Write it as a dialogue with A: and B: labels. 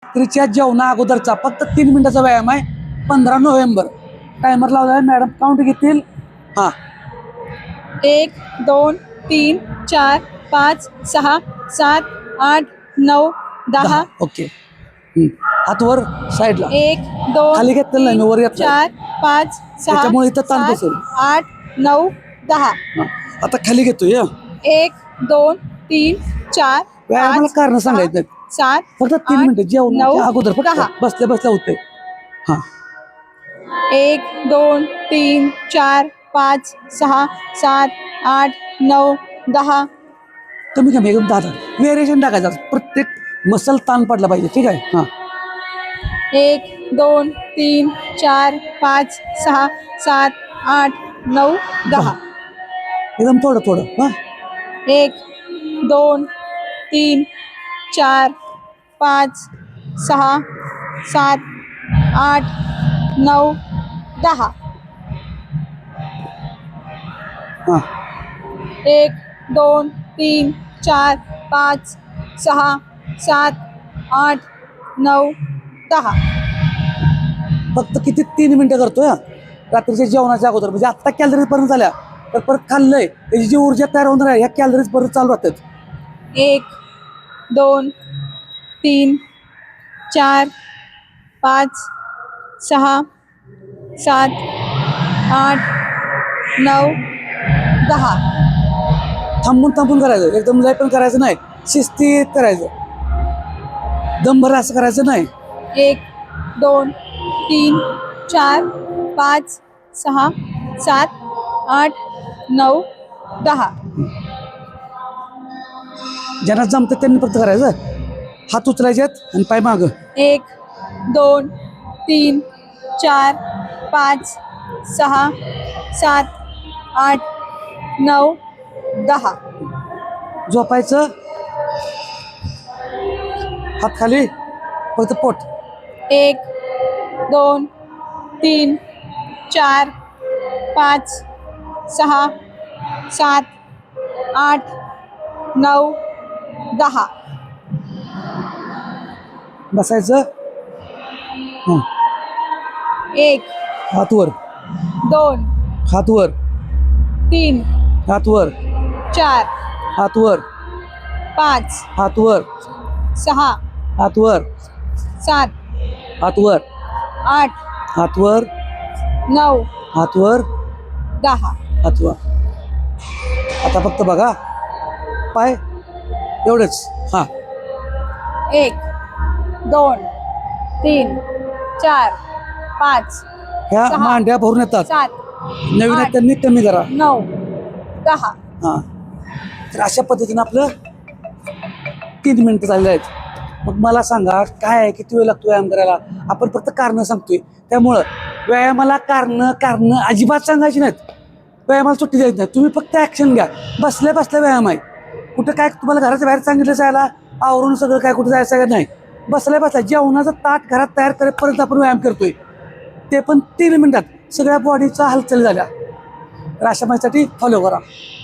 A: रात्रीच्या जेवणा अगोदरचा फक्त 3 मिनिटाचा व्यायाम आहे. 15 नोव्हेंबर. टायमर लावला आहे मॅडम. काउंट घेतील. हां
B: 1 2 3 4 5 6 7 8 9 10.
A: ओके. हात वर साईडला.
B: 1 2
A: खाली घेतलेलं नाही मी, वर घेतलं.
B: 4 5 6
A: त्याच्यामुळे इथं ताण
B: 7
A: बसेल.
B: 8 9 10.
A: आता खाली घेतोय.
B: 1 2 3 4
A: व्यायामाला कारण सांगायचं नाही.
B: 7
A: फक्त 3 मिनिटं जेवणाच्या अगोदर फक्त
B: 10.
A: बसल्या बसल्या होते. हां
B: 1 2 3 4 5 6 7 8 9 10.
A: कमी कमी एकदम 10 व्हेरिएशन टाकायचं. प्रत्येक मसल ताण पडला पाहिजे. ठीक आहे. हां
B: 1 2 3 4 5 6 7 8 9 10.
A: एकदम थोडं थोडं. हां
B: 1 2 3 4 5 6 7 8 9 10.
A: हां
B: 1 2 3 4 5 6 7 8 9 10.
A: फक्त किती 3 मिनिटं करतोय. रात्रीच्या जेवणाच्या अगोदर म्हणजे आत्ता कॅलरीज पर्यंत झाल्या तर परत खाल्लंय त्याची जी ऊर्जा तयार होणार आहे ह्या कॅलरीज परत चालू राहतात.
B: 1 2 3 4 5 6 7 8 9 10.
A: थांबून थांबून करायचं. एकदम लय पण करायचं नाही. शिस्तीत करायचं. दमभर असं करायचं नाही.
B: 1 2 3 4 5 6 7 8 9 10.
A: ज्यांना जमतं त्यांनी फक्त करायचं. हात उचलायचेत आणि पाय मागं.
B: 1 2 3 4 5 6 7 8 9 10.
A: झोपायचं. हात खाली. फक्त पोट.
B: 1 2 3 4 5 6 7 8 9 10.
A: बसायचं. हां
B: 1
A: हात वर.
B: 2
A: हात वर.
B: 3
A: हात वर.
B: 4
A: हात वर.
B: 5
A: हात वर.
B: 6
A: हात वर.
B: 7
A: हात वर.
B: 8
A: हात वर.
B: 9
A: हात वर.
B: 10.
A: हात वर. आता फक्त बघा पाय एवढंच. हां
B: 1 2 3 4 5
A: ह्या
B: सहा,
A: मांड्या भरून येतात.
B: 7
A: नवीन आहेत त्यांनी कमी करा.
B: 9 10.
A: हां तर अशा पद्धतीनं आपलं 3 मिनिटं झालेलं आहेत. मग मला सांगा काय आहे, किती वेळ लागतो व्यायाम करायला. आपण फक्त कारणं सांगतोय. त्यामुळं व्यायामाला कारणं अजिबात सांगायची नाहीत. व्यायामाला सुट्टी द्यायची नाही. तुम्ही फक्त ॲक्शन घ्या. बसल्या बसल्या व्यायाम आहे. कुठं काय तुम्हाला घराच्या बाहेर सांगितलं जायला आवरून सगळं काय कुठं जायचं का नाही. बसल्या बसल्या जेवणाचं ताट घरात तयार करेपर्यंत आपण व्यायाम करतोय. ते पण 3 मिनिटात सगळ्या बॉडीचा हालचाल झाल्या. तर अशा माझ्यासाठी फॉलो करा.